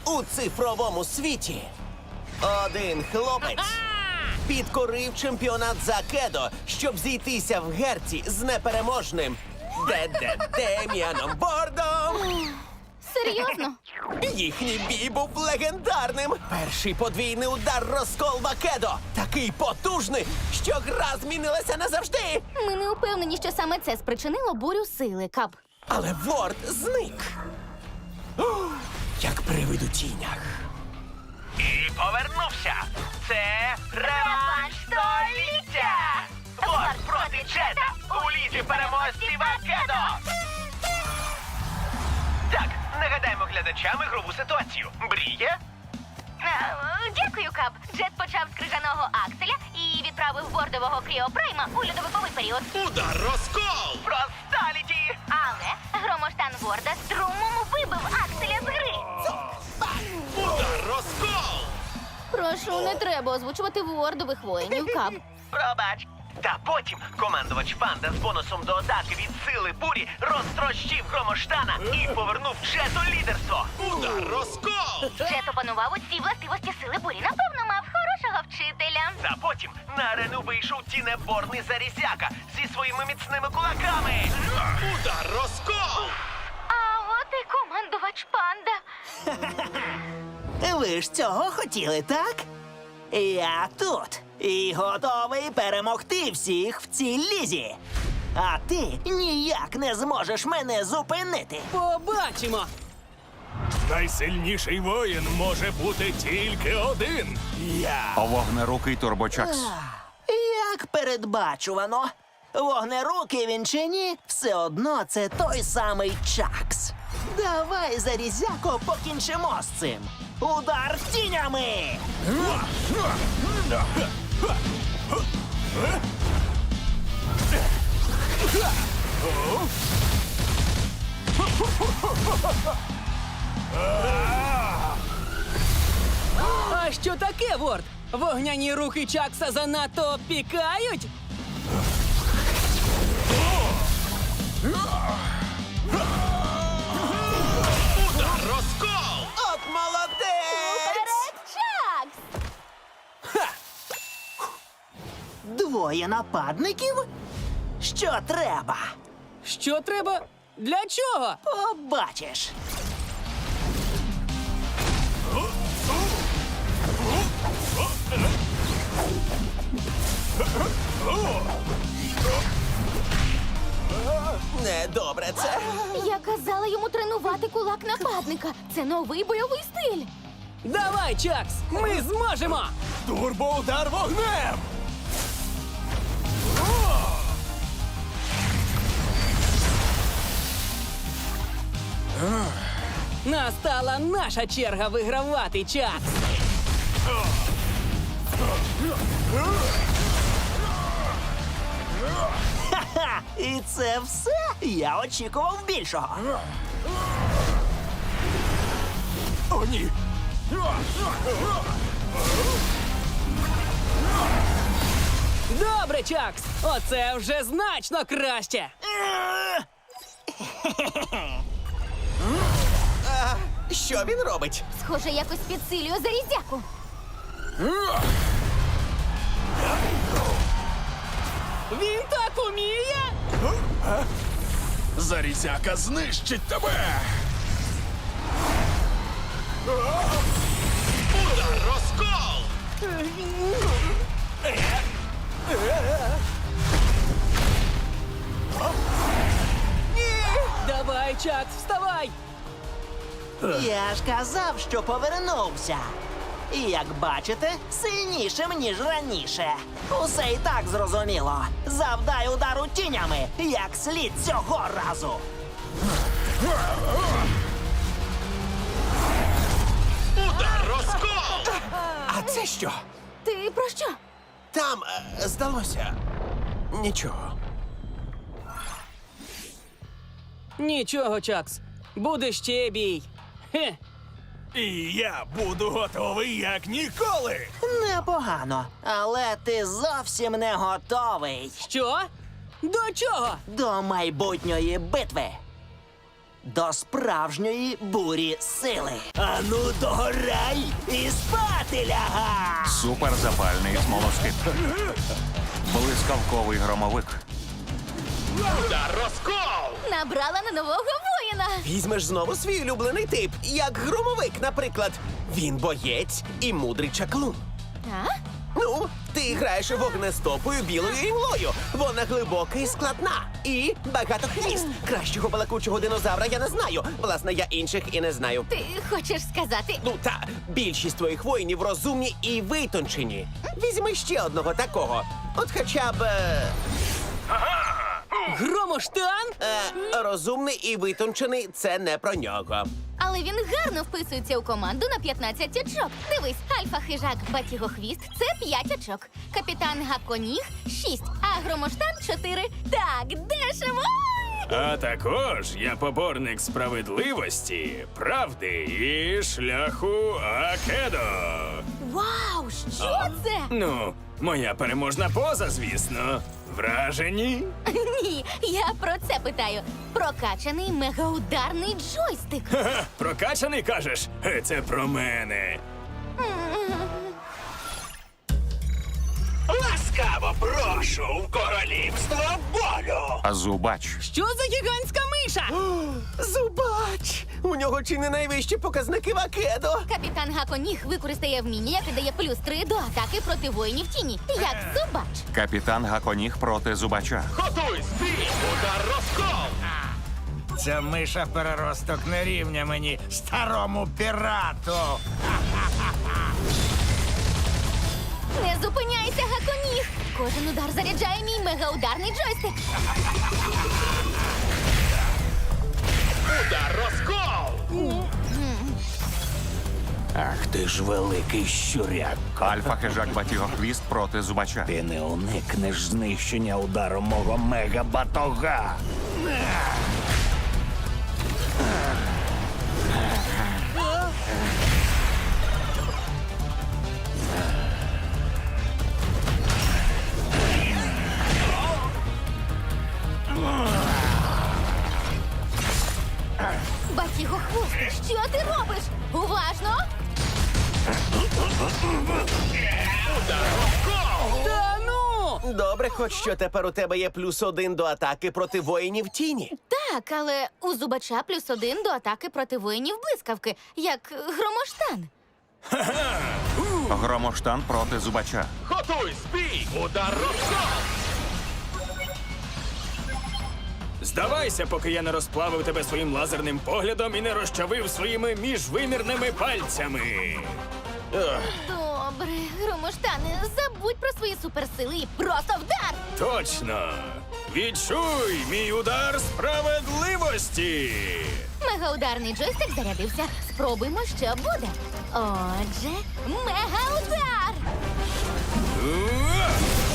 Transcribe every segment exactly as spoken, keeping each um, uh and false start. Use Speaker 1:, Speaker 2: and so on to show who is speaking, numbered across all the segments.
Speaker 1: У цифровому світі один хлопець підкорив чемпіонат за кедо, щоб зійтися в герці з непереможним Де-де Дем'яном Бордом.
Speaker 2: Серйозно?
Speaker 1: Їхній бій був легендарним. Перший подвійний удар розколба кедо. Такий потужний, що гра змінилася назавжди.
Speaker 2: Ми не упевнені, що саме це спричинило бурю сили, Кап.
Speaker 1: Але Ворд зник. О, як привид у тінях.
Speaker 3: І повернувся. Це реванш століття! Ворд проти Джета у лізі переможців Акедо! Так, нагадаємо глядачам ігрову ситуацію. Бріє?
Speaker 2: Дякую, Кап. Джет почав з крижаного акселя і відправив бордового кріопрайма у льодовиковий період.
Speaker 3: Удар розкол! Просталіті!
Speaker 2: Але громоштан Ворда струмом вибив акселя з гри.
Speaker 3: Удар розкол!
Speaker 2: Прошу, не треба озвучувати вордових воїнів, Кап.
Speaker 3: Пробач. Та потім командувач Панда з бонусом до атаки від сили бурі розтрощив громоштана і повернув Джету лідерство. Удар розкол!
Speaker 2: Джет опанував усі властивості сили бурі. Напевно, мав хорошого вчителя.
Speaker 3: Та потім на арену вийшов тінеборний Зарізяка зі своїми міцними кулаками. Удар розкол!
Speaker 2: А от і командувач Панда.
Speaker 4: Ви ж цього хотіли, так? Я тут і готовий перемогти всіх в цій лізі. А ти ніяк не зможеш мене зупинити.
Speaker 5: Побачимо!
Speaker 6: Найсильніший воїн може бути тільки один. Я.
Speaker 7: Вогнерукий турбочакс.
Speaker 4: Як передбачувано. Вогнерукий він чи ні, все одно це той самий Чакс. Давай, Зарізяко, покінчимо з цим. Удар тінями!
Speaker 5: А що таке, Ворд? Вогняні рухи Чакса занадто пікають?
Speaker 3: Удар розкол!
Speaker 1: От молодець!
Speaker 2: Вперед, Чакс!
Speaker 4: Двоє нападників? Що треба?
Speaker 5: Що треба? Для чого?
Speaker 4: Побачиш.
Speaker 1: Недобре це.
Speaker 2: Я казала йому тренувати кулак нападника. Це новий бойовий стиль.
Speaker 5: Давай, Чакс! Ми зможемо!
Speaker 6: Турбоудар вогнем!
Speaker 5: Настала наша черга вигравати, Чакс!
Speaker 4: Ха-ха! І це все? Я очікував більшого.
Speaker 6: О, ні!
Speaker 5: Добре, Чакс! Оце вже значно краще!
Speaker 1: Що він робить?
Speaker 2: Схоже, якось підсилює Зарізяку.
Speaker 5: Він так уміє?
Speaker 6: Зарізяка знищить тебе!
Speaker 3: Удар розкол!
Speaker 5: Давай, Чакс, вставай!
Speaker 4: Я ж казав, що повернувся. І, як бачите, сильнішим, ніж раніше. Усе і так зрозуміло. Завдай удару тінями, як слід цього разу.
Speaker 3: Удар розкол!
Speaker 1: А це що?
Speaker 2: Ти про що?
Speaker 1: Там, е, здалося, нічого.
Speaker 5: Нічого, Чакс. Буде ще бій. Хе.
Speaker 6: І я буду готовий як ніколи!
Speaker 4: Непогано, але ти зовсім не готовий
Speaker 5: Що? До чого?
Speaker 4: до майбутньої битви. до справжньої бурі сили. Ану, догорай і спати ляга!
Speaker 7: Суперзапальний смолоскип. Блискавковий громовик.
Speaker 3: Удар розкол!
Speaker 2: Набрала на нового воїна.
Speaker 1: Візьмеш знову свій улюблений тип, як громовик, наприклад. Він боєць і мудрий чаклун.
Speaker 2: А?
Speaker 1: Ну, ти граєш вогнестопою білою імлою. Вона глибока і складна. І багатохвіст. Кращого балакучого динозавра я не знаю. Власне, я інших і не знаю.
Speaker 2: Ти хочеш сказати?
Speaker 1: Ну та більшість твоїх воїнів розумні і витончені. Візьми ще одного такого. От хоча б е,
Speaker 5: Громоштан?
Speaker 1: е, розумний і витончений це не про нього.
Speaker 2: Але він гарно вписується у команду на п'ятнадцять очок. Дивись, альфа-хижак Батігохвіст – це п'ять очок. Капітан Гаконіг – шість, а Громоштан – чотири. Так, дешево!
Speaker 6: А також я поборник справедливості, правди і шляху Акедо.
Speaker 2: Вау, що це?
Speaker 6: Ну, моя переможна поза, звісно. Вражені?
Speaker 2: Ні, я про це питаю. Прокачаний мегаударний джойстик.
Speaker 6: Ха-ха, прокачаний, кажеш? Е, Це про мене.
Speaker 3: Ласкаво прошу в королівство болю!
Speaker 7: А зубач.
Speaker 5: Що за гігантська миша?
Speaker 1: Зубач! У нього чи не найвищі показники в Акедо.
Speaker 2: Капітан Гаконіг використає вміння, яке дає плюс три до атаки проти воїнів тіні, як зубач.
Speaker 7: Капітан Гаконіг проти зубача.
Speaker 3: Готуй спій! Удар розкол!
Speaker 8: Ця миша переросток не рівня мені, старому пірату.
Speaker 2: Не зупиняйся, Гаконіг! Кожен удар заряджає мій мегаударний джойстик.
Speaker 3: Удар розкол!
Speaker 8: Ах ти ж великий щуряк.
Speaker 7: Альфа-хижак Батігохвіст проти зубача.
Speaker 8: Ти не уникнеш знищення ударом мого мега-батога.
Speaker 2: Батігохвост, що ти робиш? Уважно!
Speaker 5: Та ну!
Speaker 1: Добре, хоч що тепер у тебе є плюс один до атаки проти воїнів тіні.
Speaker 2: Так, але у зубача плюс один до атаки проти воїнів блискавки, як Громоштан.
Speaker 7: Громоштан проти зубача.
Speaker 3: Готуй спій! Удар розкол!
Speaker 6: Здавайся, поки я не розплавив тебе своїм лазерним поглядом і не розчавив своїми міжвимірними пальцями.
Speaker 2: Добре, Громоштане, забудь про свої суперсили і просто вдар!
Speaker 6: Точно! Відчуй мій удар справедливості!
Speaker 2: Мегаударний джойстик зарядився. Спробуймо, що буде. Отже, мегаудар!
Speaker 6: Уа!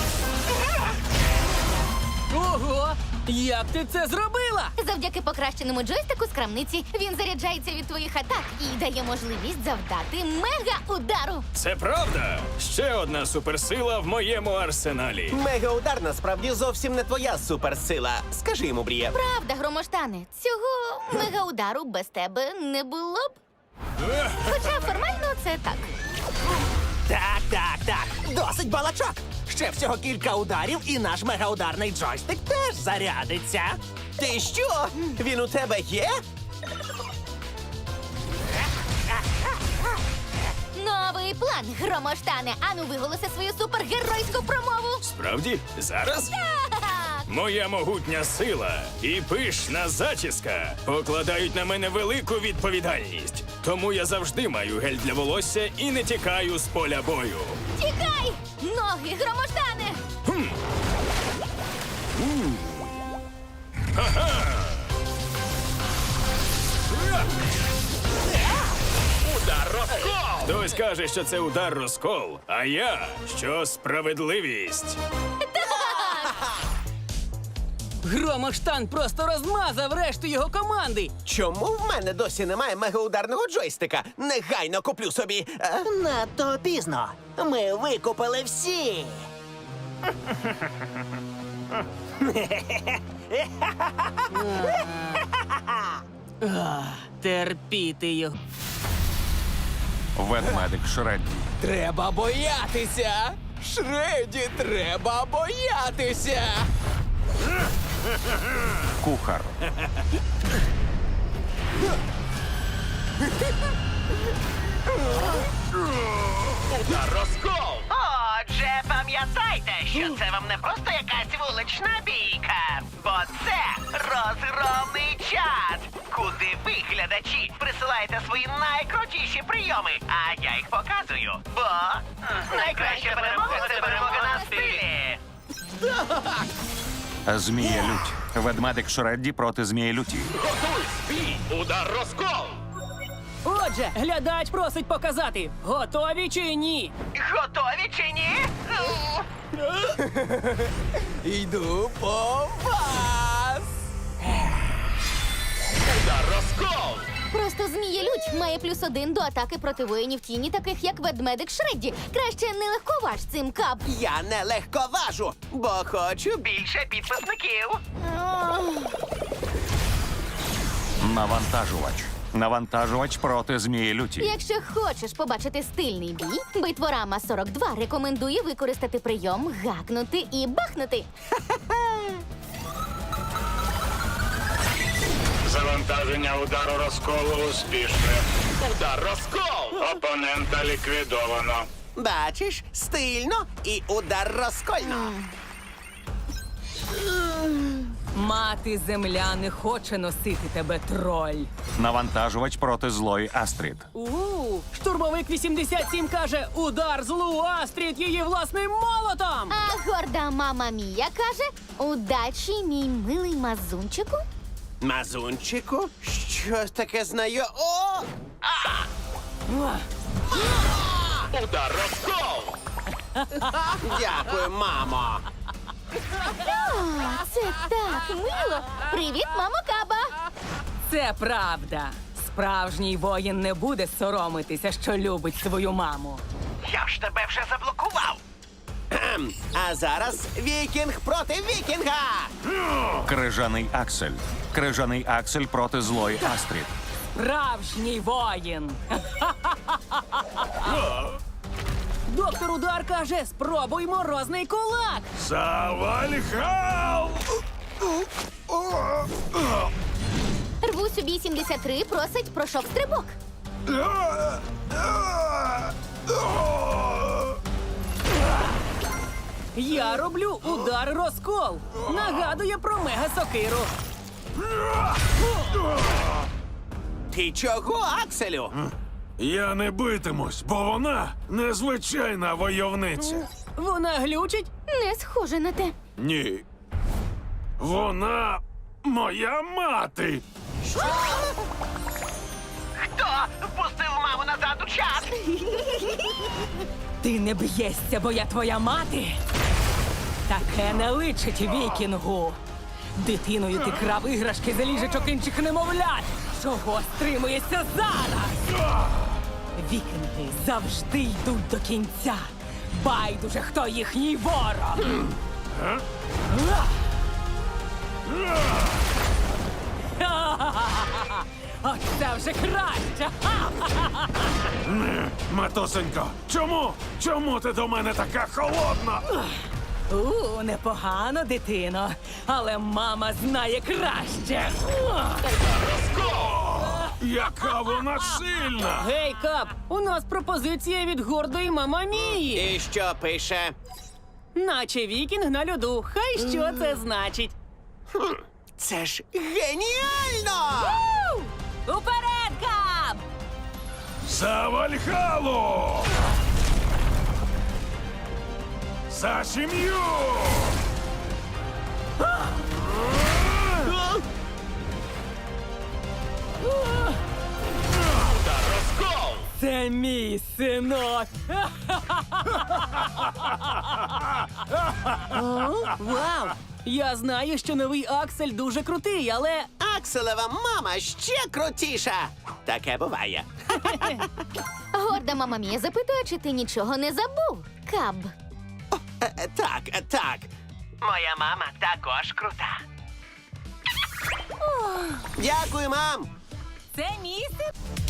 Speaker 5: Ого! Як ти це зробила?
Speaker 2: Завдяки покращеному джойстику з крамниці він заряджається від твоїх атак і дає можливість завдати мега-удару.
Speaker 6: Це правда! Ще одна суперсила в моєму арсеналі.
Speaker 1: Мегаудар насправді зовсім не твоя суперсила. Скажи йому, Бріє.
Speaker 2: Правда, Громоштане, цього мега-удару без тебе не було б. Хоча формально це так.
Speaker 4: Так, так, так. Досить балачок. Ще всього кілька ударів, і наш мегаударний джойстик теж зарядиться.
Speaker 1: Ти що? Він у тебе є?
Speaker 2: Новий план, Громоштане. Ану, виголоси свою супергеройську промову.
Speaker 6: Справді? Зараз? Моя могутня сила і пишна зачіска покладають на мене велику відповідальність. Тому я завжди маю гель для волосся і не тікаю з поля бою.
Speaker 2: Тікай! Ноги, Громоштане!
Speaker 3: Удар розкол!
Speaker 6: Хтось каже, що це удар розкол, а я що справедливість.
Speaker 5: Громоштан просто розмазав решту його команди.
Speaker 1: Чому в мене досі немає мегаударного джойстика? Негайно куплю собі. Е?
Speaker 4: Надто пізно. Ми викупили всі.
Speaker 5: Терпіти його.
Speaker 7: Ведмедик Шредді.
Speaker 5: Треба боятися! Шреді, треба боятися!
Speaker 7: Кухар.
Speaker 3: Удар розкол! Отже, пам'ятайте, що це вам не просто якась вулична бійка, бо це розгромний чат, куди ви, глядачі, присилаєте свої найкрутіші прийоми, а я їх показую, бо найкраща перемога – це перемога на стилі.
Speaker 7: Змія Лють. Ведмедик Шредді проти Змії Люті.
Speaker 3: Удар розкол!
Speaker 5: Отже, глядач просить показати, готові чи ні?
Speaker 3: Готові чи ні?
Speaker 5: Йду по вас!
Speaker 3: Удар розкол!
Speaker 2: Просто Змія Лють має плюс один до атаки проти воїнів тіні, таких як ведмедик Шредді. Краще не легковаж цим, Кап.
Speaker 1: Я не легковажу, бо хочу
Speaker 3: Більше підписників!
Speaker 7: Навантажувач. Навантажувач проти Змії Люті.
Speaker 2: Якщо хочеш побачити стильний бій, Битворама сорок два рекомендує використати прийом гакнути і бахнути.
Speaker 6: Завантаження удару розколу успішне.
Speaker 3: Удар розкол!
Speaker 6: Опонента ліквідовано.
Speaker 1: Бачиш, стильно і удар розкольно.
Speaker 5: Мати земля не хоче носити тебе, троль.
Speaker 7: Навантажувач проти злої Астрід.
Speaker 5: У, штурмовик вісімдесят сім каже, удар злу Астрід її власним молотом!
Speaker 2: А горда мама Мія каже: удачі, мій милий мазунчику.
Speaker 1: Мазунчику? Щось таке знаю. О!
Speaker 3: Удар розкол!
Speaker 1: Дякую, мамо.
Speaker 2: О, це так мило. Привіт, мамо Каба.
Speaker 5: Це правда. Справжній воїн не буде соромитися, що любить свою маму.
Speaker 3: Я ж тебе вже заблокував!
Speaker 1: Кхем. А зараз вікінг проти вікінга.
Speaker 7: Крижаний Аксель. Крижаний Аксель проти злої Астрід.
Speaker 5: Справжній воїн. Доктор Удар каже, спробуй морозний кулак.
Speaker 6: Завальхал!
Speaker 2: Рвусь у бій сімдесят три просить про шок-стрибок.
Speaker 5: Я роблю удар розкол. Нагадує про мега-сокиру.
Speaker 1: Ти чого, Акселю?
Speaker 6: Я не битимусь, бо вона незвичайна войовниця.
Speaker 5: Вона глючить?
Speaker 2: Не схоже на те.
Speaker 6: Ні. Вона моя мати.
Speaker 3: Хто впустив маму назад у чат?
Speaker 5: Ти не б'єшся, бо я твоя мати. Таке не личить вікінгу. Дитиною ти крав іграшки за ліжечок інших немовлят. Чого стримуєшся зараз? Вікінги завжди йдуть до кінця. Байдуже, хто їхній ворог. Оце вже краще.
Speaker 6: Матусенько, чому? Чому ти до мене така холодна?
Speaker 5: У, непогано, дитино. Але мама знає краще.
Speaker 6: Яка вона сильна!
Speaker 5: Гей, Кап, у нас пропозиція від гордої мамамії.
Speaker 1: І що пише?
Speaker 5: Наче вікінг на льоду. Хай що це значить.
Speaker 1: Це ж геніально!
Speaker 5: Уперед, Кап!
Speaker 6: За Вальхалу! За сім'ю!
Speaker 3: Удар розкол!
Speaker 5: Це мій синок. О, вау! Я знаю, що новий Аксель дуже крутий, але
Speaker 1: Акселева мама ще крутіша. Таке буває.
Speaker 2: Горда мама Мія запитує, чи ти нічого не забув, Каб.
Speaker 1: Е, е, Так, е, так.
Speaker 3: Моя мама також крута.
Speaker 1: Дякую, мам.
Speaker 5: це місце.